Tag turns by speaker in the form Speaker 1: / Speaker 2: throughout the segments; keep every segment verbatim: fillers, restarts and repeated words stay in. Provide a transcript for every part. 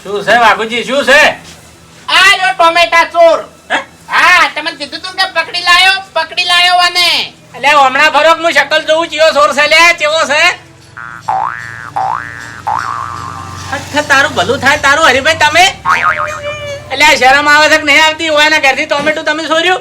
Speaker 1: શું છે વાઘુજી, શું છે?
Speaker 2: આ લો ટોમેટા ચોર. હા, તમે કીધું તું કે પકડી લાયો, પકડી લાયો અને
Speaker 1: એટલે હમણાં ફરક હું શકલ જોઉં ચિયો સોર છે લે, ચેવો છે? અચ્છા, તારું ભલું થાય તારું હરીભાઈ તમે. એટલે આ શરમ આવે છે કે નહીં આવતી હોય ને ઘરથી ટોમેટું તમે સોર્યું?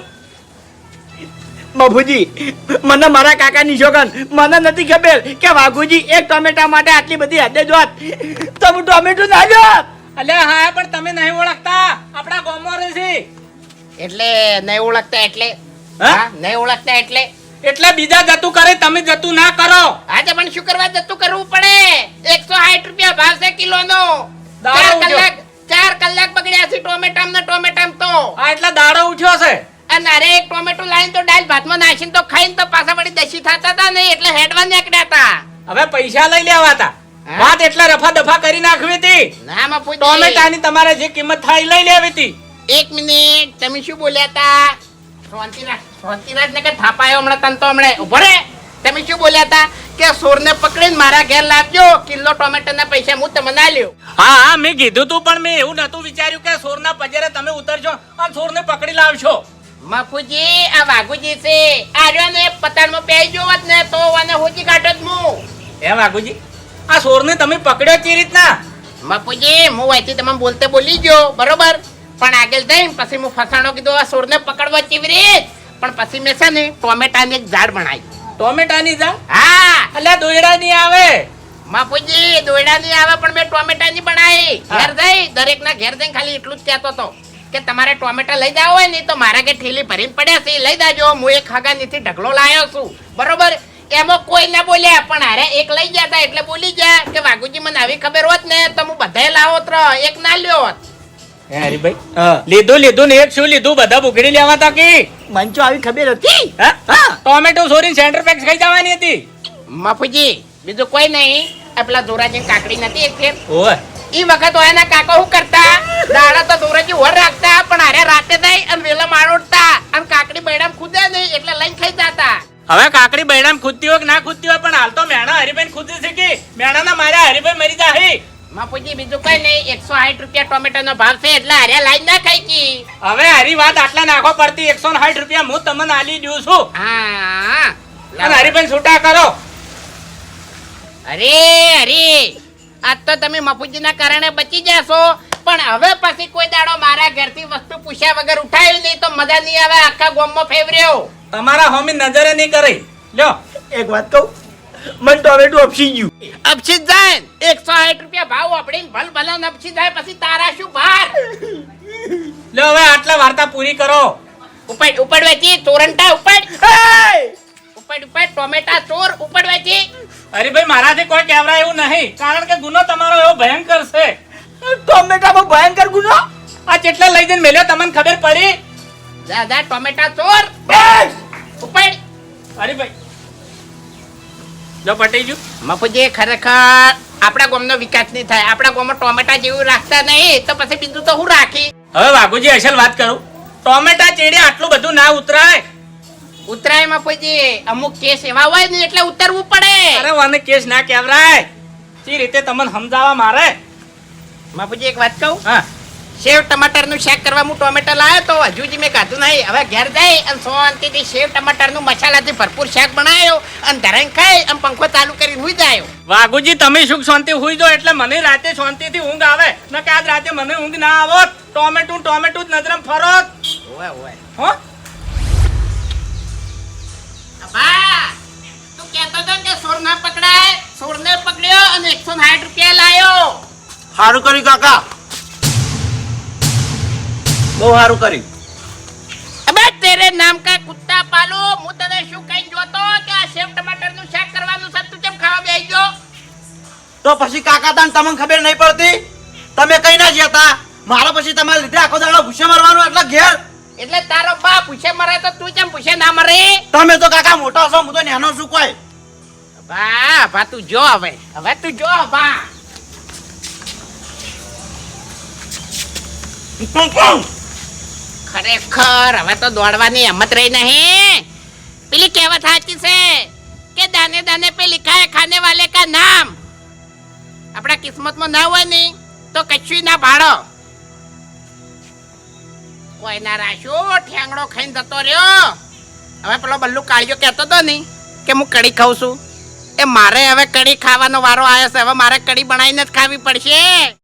Speaker 3: બાપુજી, મને મારા કાકા ની શોગન મને નથી ખબર કે વાઘુજી એક ટોમેટા માટે આટલી બધી હદે જોત તો હું ટોમેટું ના જોત.
Speaker 1: એટલે હા, પણ તમે નહીં ઓળખતા, આપણા ગામમાં રહે છે.
Speaker 2: એટલે નહીં ઓળખતા એટલે
Speaker 1: હા?
Speaker 2: હા, નહીં ઓળખતા એટલે
Speaker 1: એટલે બીજા જતું કરે, તમે જતું ના કરો.
Speaker 2: આજે પણ શું કરવા જતું કરવું પડે? એકસો સાઠ રૂપિયા ભાવ છે કિલો નો.
Speaker 1: દાડો
Speaker 2: ચાર
Speaker 1: ઉઠ્યો.
Speaker 2: કલાક ચાર કલાક બગડ્યા છે ટોમેટામ ને ટોમેટામ તો.
Speaker 1: આ એટલા દાડો ઉઠ્યો છે.
Speaker 2: અને અરે એક ટોમેટો લાઈન તો દાળ ભાતમાં નાખીને તો ખાઈને તો પાછા વળી દસી થતા હતા ને એટલે હેડવા નીકળ્યા હતા.
Speaker 1: હવે પૈસા લઈ લેવા હતા.
Speaker 2: હા?
Speaker 1: વાત એટલે રફા દફા કરી નાખવી હતી.
Speaker 2: ના માં પૂછી.
Speaker 1: ટોમેટાની તમારે જે કિંમત થાય એ લઈ લેવી હતી.
Speaker 2: એક મિનિટ, તમે શું બોલ્યા હતા? શાંતિરાજ, શાંતિરાજ ને કે થાપાયો હમણાં તન તો હમણાં ઉભો રે. તમે શું બોલ્યા હતા કે સોરને પકડીને મારા ઘેર લાવજો, કિલો ટોમેટાના પૈસા હું તમને આલ્યો.
Speaker 1: હા હા, મેં કીધું તું, પણ મેં એવું નતું વિચાર્યું કે સોરના પજરે તમે ઉતરશો અને સોરને પકડી લાવશો.
Speaker 2: મફુજી, આ વાઘુજી છે. આર્યો ને પતાળમાં બેહી જોવત ને તો આને હોજી કાઢો જ હું.
Speaker 1: હે વાઘુજી, આ સોરને તમે પકડ્યો કેવી રીતના?
Speaker 2: મફુજી, હું અહીંથી તમે બોલતે બોલી ગયો બરોબર, પણ આગળ જઈને પછી હું ફસાણો કીધું આ સોરને પકડવા કેવી રીત, પણ પછી મેં છે ને ટોમેટાની એક ઝાડ બનાવી.
Speaker 1: ટોમેટાની જા?
Speaker 2: હા
Speaker 1: અલ્યા દોયડા ની આવે.
Speaker 2: બાપુજી, દોયડા ની આવે પણ મેં ટોમેટાની બનાવી.
Speaker 1: હા.
Speaker 2: ઘેર જઈ દરેક ના ઘેર જઈને ખાલી એટલું જ કહેતો હતો કે તમારે ટોમેટા લઈ જાવ હોય ને તો મારા કે ઠેલી ભરીને પડ્યા છે, લઈ જાજો. હું એક ખાગાનીથી ઢગલો લાયો છું બરોબર. એમાં કોઈ ના બોલ્યા, પણ હારે એક લઈ ગયા હતા એટલે બોલી ગયા કે વાઘુજી મને આવી ખબર હોત ને તો હું બધાય લાવો ત્ર એક ના લ્યો હોત.
Speaker 1: હે હરીભાઈ,
Speaker 3: હા,
Speaker 1: લીધું લીધું ને એક શું લીધું? બધા બુગડી લેવા તા કે
Speaker 3: મને તો આવી ખબર હતી.
Speaker 1: હા?
Speaker 3: હા,
Speaker 1: ટોમેટો સોરી સેન્ટર પેક્સ ખાઈ જવાની હતી.
Speaker 2: મફુજી, બીજું કોઈ નહીં. આ પેલા ધોરાજી કાકડી નથી એક ફેર,
Speaker 1: ઓય,
Speaker 2: ઈ વખત એના કાકા શું કરતા, દાડા તો ધોરાજી વર રાખતા પણ હારે રાતે થઈ અને વેલા મારોડતા અને કાકડી બૈડામ ખુદે નહીં એટલે લઈને ખાઈ જતા.
Speaker 1: હવે કાકડી બૈડામ ખુદતી હોય કે ના ખુદતી હોય, પણ હાલ તો મેણા હરીભાઈ ખુદે છે કે મેણાના માર્યા હરીભાઈ મરી જાહે.
Speaker 2: માપુજી, બીજું કઈ નહીં. એકસો સાઠ રૂપિયા ટોમેટો નો ભાવ છે એટલે હારે લાઈન ના ખાઈ કી.
Speaker 1: હવે હરી વાત આટલા નાખો પડતી. એકસો સાઠ રૂપિયા હું તમને આલી દઉં છું
Speaker 2: હા,
Speaker 1: અને હરીભાઈ છૂટા કરો.
Speaker 2: અરે અરે, આજ તો તમે મફુજીના કારણે બચી જશો, પણ હવે પછી કોઈ દાડો મારા ઘરથી વસ્તુ પૂછ્યા વગર ઉઠાવી નહીં તો મજા નહીં આવે. આખા ગામમાં ફેવર્યો.
Speaker 1: તમારા હોમી નજરે નહીં કરી લ્યો.
Speaker 3: એક વાત કહું, મને ટોમેટું અપસી ગયું.
Speaker 2: અપસી જાય એકસો સાઠ રૂપિયા ભાવ આપડીને ભલ ભલા અપસી જાય પછી તારા શું ભાર.
Speaker 1: લ્યો હવે આટલા વાર્તા પૂરી કરો.
Speaker 2: ઉપાડ ઉપાડ વેચી ચોરંટા ઉપાડ
Speaker 3: હે!
Speaker 2: ઉપાડ ઉપાડ ટોમેટા ચોર ઉપાડ વેચી.
Speaker 1: હરીભાઈ, મારાથી કોઈ કહેવરા એવું નહીં, કારણ કે ગુનો તમારો એવો ભયંકર છે.
Speaker 3: ટોમેટામાં ભયંકર ગુનો.
Speaker 1: આ કેટલા લઈ જઈને મેલ્યો તમને ખબર પડી?
Speaker 2: જા જા ટોમેટા ચોર
Speaker 3: બસ!
Speaker 2: ઉપાડ.
Speaker 1: હરીભાઈ, જો પટી ગયું.
Speaker 2: મફુજી, ખરેખર આપણા ગામનો વિકાસ નહીં થાય. આપણા ગામમાં ટોમેટા જેવું રાખતા નહીં તો પછી બીજું તો હું રાખી.
Speaker 1: હવે વાઘુજી અસલ વાત કરું, ટોમેટા ચેડે આટલું બધું ના ઉતરાય.
Speaker 2: ઉતરાય મફુજી, અમુક કેસ એવા હોય ને એટલે ઉતરવું પડે.
Speaker 1: અરે વાને કેસ ના કહેવરાય. સી રીતે તમને સમજાવવા મારે?
Speaker 2: મફુજી, એક વાત કહું,
Speaker 1: હા,
Speaker 2: સેવ ટમાટર નું શાક કરવા હું ટોમેટા લાવ્યો તો હજુ મેં ખાધું નહીં. હવે ઘેર જઈ અને શાંતિથી સેવ ટમાટર નું મસાલાથી ભરપૂર શાક બનાવ્યો અને ધરાઈને ખાઈ અને પંખો ચાલુ કરીને હુઈ જાય.
Speaker 1: વાઘુજી તમે સુખ શાંતિ હુઈ જાઓ એટલે મને રાતે શાંતિથી ઊંઘ આવે. ન કે આજ રાતે મને ઊંઘ ના આવત. ટોમેટું ટોમેટું જ નજરમ ફરોત.
Speaker 2: ઓય ઓય.
Speaker 1: હો,
Speaker 2: અબા, તું કહેતો હતો ને કે સોર ના પકડાય. સોરને પકડ્યો અને એકસો સાઠ રૂપિયા લાયો.
Speaker 3: સારું કર્યું કાકા, બહુ સારું કર્યું.
Speaker 2: અબે તેરે નામ કા કુત્તા પાલો, હું તને શું કઈ જોતો કે આ સેવ ટમાટર નું શાક કરવાનું છે, તું કેમ ખાવા બેસી ગયો?
Speaker 3: તો પછી કાકા તાન તમને ખબર નહીં પડતી? તમે કઈ ના જતા મારા પછી તમારે લીધે આખો દાડો ભૂસે મારવાનું એટલે ઘેર.
Speaker 2: એટલે તારો બા પૂછે મરે તો તું કેમ પૂછે ના મરે?
Speaker 3: તમે તો કાકા મોટા છો, હું તો નાનો છું. કોઈ
Speaker 2: બા બા તું જો હવે હવે તું જો બા. ખરેખર હવે તો દોડવાની હિંમત રહી નહીં. પેલી કહેવત સાચી છે કે દાને દાને पे लिखा है खाने वाले का नाम. આપણા કિસ્મતમાં ના હોય ને તો કશું ના ભાડો કોઈના રાશો ઠેંગડો ખાઈને જતો રહ્યો. હવે પેલો બલ્લુ કાળિયો કહેતો હતો ને કે હું કઢી ખાઉં છું, એ મારે હવે કઢી ખાવાનો વારો આવ્યો છે. હવે મારે કઢી બનાવીને જ ખાવી પડશે.